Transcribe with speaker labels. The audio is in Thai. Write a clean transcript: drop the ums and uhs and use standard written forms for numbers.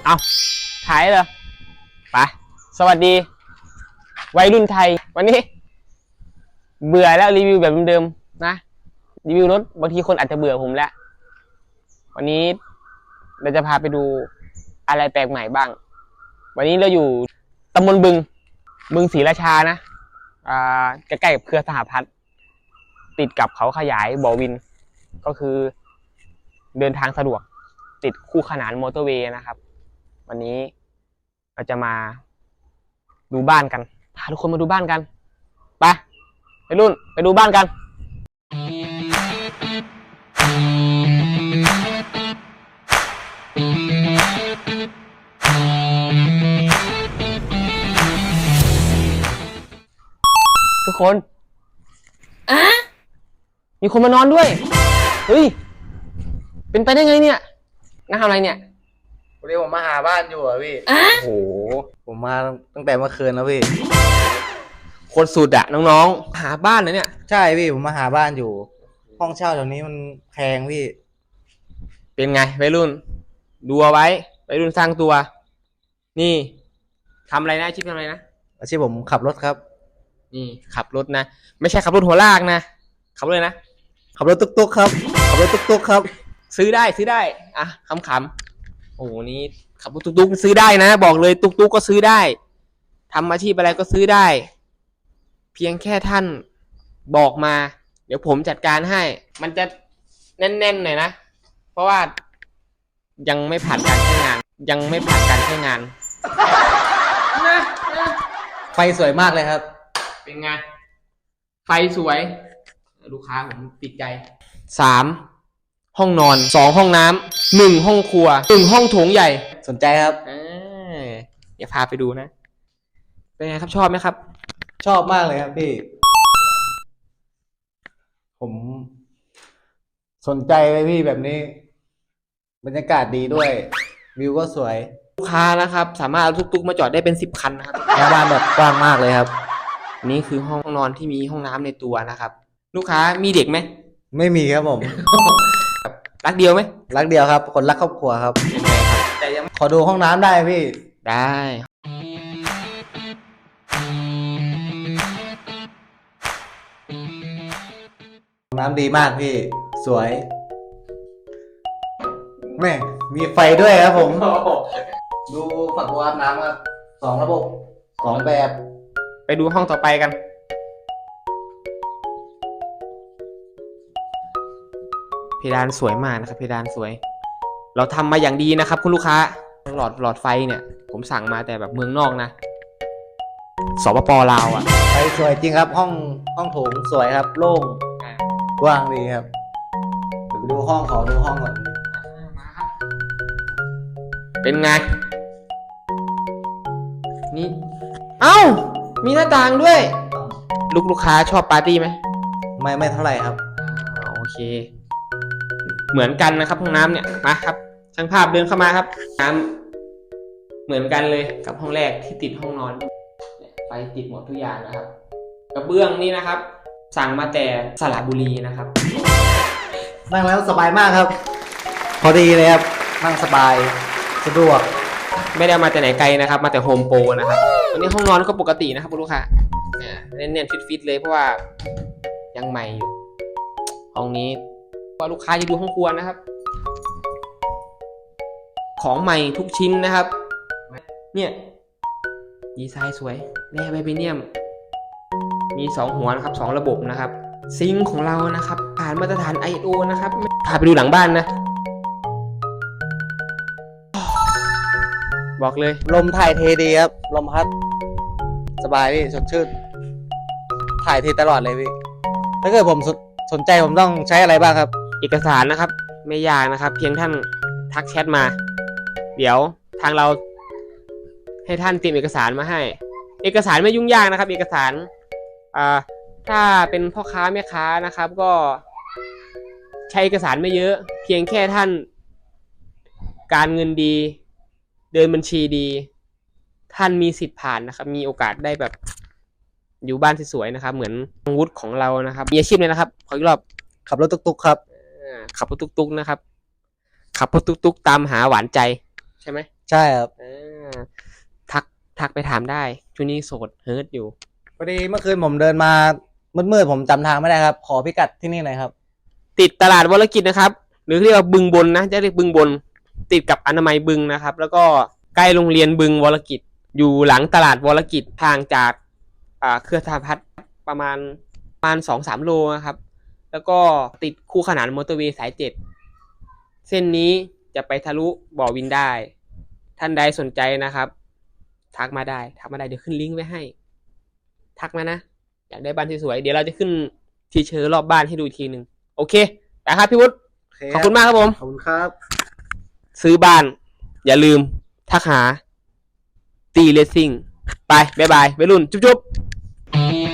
Speaker 1: เอาถ่ายเหรอไปสวัสดีวัยรุ่นไทยวันนี้เบื่อแล้วรีวิวแบบเดิมๆนะรีวิวรถบางทีคนอาจจะเบื่อผมแล้ววันนี้เราจะพาไปดูอะไรแปลกใหม่บ้างวันนี้เราอยู่ตำบลบึงศรีราชานะใกล้ๆกับเครือสหพัฒน์ติดกับเขาขยายบ่อวินก็คือเดินทางสะดวกติดคู่ขนานมอเตอร์เวย์นะครับวันนี้เราจะมาดูบ้านกันพาทุกคนมาดูบ้านกันไปรุ่นไปดูบ้านกันทุกคนมีคนมานอนด้วยเฮ้ยเป็นไปได้ไงเนี่ยนั่งทำอะไรเนี่ย
Speaker 2: วันนี้ผมมาหาบ้านอยู่อ่ะพี่
Speaker 1: โอ้โห
Speaker 2: ผมมาตั้งแต่เมื่อคืนแล้วพี่
Speaker 1: โคตรสุดอะน้องๆหาบ้านเลยเนี่ย
Speaker 2: ใช่พี่ผมมาหาบ้านอยู่ห้องเช่าแถวนี้มันแพงพี่
Speaker 1: เป็นไงวัยรุ่นดูเอาไว้วัยรุ่นสร้างตัวนี่ทำอะไรนะอาชีพทำอะไรนะ
Speaker 2: อาชีพผมขับรถครับ
Speaker 1: นี่ขับรถนะไม่ใช่ขับรถหัวลากนะขับรถเลยนะ
Speaker 2: ขับรถตุ๊กๆครับขับรถตุ๊กๆครับ
Speaker 1: ซื้อได้อ่ะขำๆโอ้โหนี่ขับรถตุ๊กๆซื้อได้นะบอกเลยตุ๊กๆก็ซื้อได้ทำอาชีพอะไรก็ซื้อได้เพียงแค่ท่านบอกมาเดี๋ยวผมจัดการให้มันจะแน่นๆหน่อยนะเพราะว่ายังไม่ผ่านการใช้งานนะ
Speaker 2: ไฟสวยมากเลยครับ
Speaker 1: เป็นไงไฟสวยลูกค้าผมติดใจ3ห้องนอน2ห้องน้ำ1ห้องครัว1ห้องโถงใหญ่
Speaker 2: สนใจครับ
Speaker 1: เดี๋ยวพาไปดูนะเป็นไงครับชอบไหมครับ
Speaker 2: ชอบมากเลยครับพี่ผมสนใจเลยพี่แบบนี้บรรยากาศดีด้วยวิวก็สวย
Speaker 1: ลูกค้านะครับสามารถเอาตุ๊กๆมาจอดได้เป็น10 คันนะครับ
Speaker 2: แค่บ้านแบบกว้างมากเลยครับ
Speaker 1: นี่คือห้องนอนที่มีห้องน้ำในตัวนะครับลูกค้ามีเด็กไหม
Speaker 2: ไม่มีครับผม
Speaker 1: รักเดียวไหม
Speaker 2: รักเดียวครับคนรักครอบครัวครับ
Speaker 1: เป็นไงครับ
Speaker 2: แต่ยังขอดูห้องน้ำได้พี่
Speaker 1: ได้
Speaker 2: ห้องน้ำดีมากพี่สวยแม่มีไฟด้วยครับผมดูฝักบัวอาบน้ำครับ2 ระบบ2 แบบ
Speaker 1: ไปดูห้องต่อไปกันเพดานสวยมากนะครับเพดานสวยเราทำมาอย่างดีนะครับคุณลูกค้าหลอดไฟเนี่ยผมสั่งมาแต่แบบเมืองนอกนะสปป.ลาวอ่ะ
Speaker 2: ไฟสวยจริงครับห้องโถงสวยครับโล่งกว้างดีครับเดี๋ยวไปดูห้องขอดูห้องก่อน
Speaker 1: เป็นไงนี่เอ้ามีหน้าต่างด้วยลูกค้าชอบปาร์ตี้ไหม
Speaker 2: ไม่เท่าไหร่ครับ
Speaker 1: โอเคเหมือนกันนะครับห้องน้ำเนี่ยมาครับช่างภาพเดินเข้ามาครับน้ำเหมือนกันเลยกับห้องแรกที่ติดห้องนอนไฟติดหมดทุกอย่างนะครับกระเบื้องนี่นะครับสั่งมาแต่สระบุรีนะครับ
Speaker 2: นั่งแล้วสบายมากครับพอดีเลยครับนั่งสบายสะดวก
Speaker 1: ไม่ได้มาแต่ไหนไกลนะครับมาแต่โฮมโปรนะครับวันนี้ห้องนอนก็ปกตินะครับลูกค้าเน้นฟิตเลยเพราะว่ายังใหม่อยู่ห้องนี้ว่าลูกค้าจะดูห้องครัวนะครับของใหม่ทุกชิ้นนะครับเนี่ยดีไซน์สวยแร่ไวเบเนียมมี2หัวนะครับ2ระบบนะครับซิงค์ของเรานะครับผ่านมาตรฐาน ISO นะครับพาไปดูหลังบ้านนะบอกเลย
Speaker 2: ลมถ่ายเทดีครับลมพัดสบายพี่สดชื่นถ่ายเทตลอดเลยพี่ถ้าเกิดผมสนใจผมต้องใช้อะไรบ้างครับ
Speaker 1: เอกสารนะครับไม่ยากนะครับเพียงท่านทักแชทมาเดี๋ยวทางเราให้ท่านเตรียมเอกสารมาให้เอกสารไม่ยุ่งยากนะครับเอกสารถ้าเป็นพ่อค้าแม่ค้านะครับก็ใช้เอกสารไม่เยอะเพียงแค่ท่านการเงินดีเดินบัญชีดีท่านมีสิทธิ์ผ่านนะครับมีโอกาสได้แบบอยู่บ้านสวยๆนะครับเหมือนวุฒิของเรานะครับมีอาชีพเลยนะครับขออีกรอบ
Speaker 2: ขับรถตุ๊กๆครับ
Speaker 1: ขับรถตุ๊กๆนะครับขับรถตุ๊กๆตามหาหวานใจใช่ไหม
Speaker 2: ใช่ครับ
Speaker 1: อ่าทักไปถามได้ช่วงนี้โสดเฮิร์ตอยู่
Speaker 2: พอดีเมื่อคืนผมเดินมามืดๆผมจำทางไม่ได้ครับ ขอพิกัดที่นี่หน่อยครับ
Speaker 1: ติดตลาดวรกิจนะครับ หรือเรียกว่าบึงบนนะจะเรียกบึงบน ติดกับอนามัยบึงนะครับ แล้วก็ใกล้โรงเรียนบึงวรกิจ อยู่หลังตลาดวรกิจทางจากเครือสหพัฒน์ประมาณ2-3 โลนะครับ แล้วก็ติดคู่ขนานมอเตอร์เวย์สาย 7 เส้นนี้จะไปทะลุบ่อวินได้ ท่านใดสนใจนะครับ ทักมาได้เดี๋ยวขึ้นลิงก์ไว้ให้ ทักมานะ อยากได้บ้านสวยๆเดี๋ยวเราจะขึ้นทีเชอร์รอบบ้านให้ดูอีกทีหนึ่งโอเคนะครับพี่วุฒิขอบคุณมากครับผม
Speaker 2: ขอบคุณครับ
Speaker 1: ซื้อบ้าน อย่าลืมทักหาตีเลสซิ่งไปบ๊ายบายวัยรุ่นจุ๊บ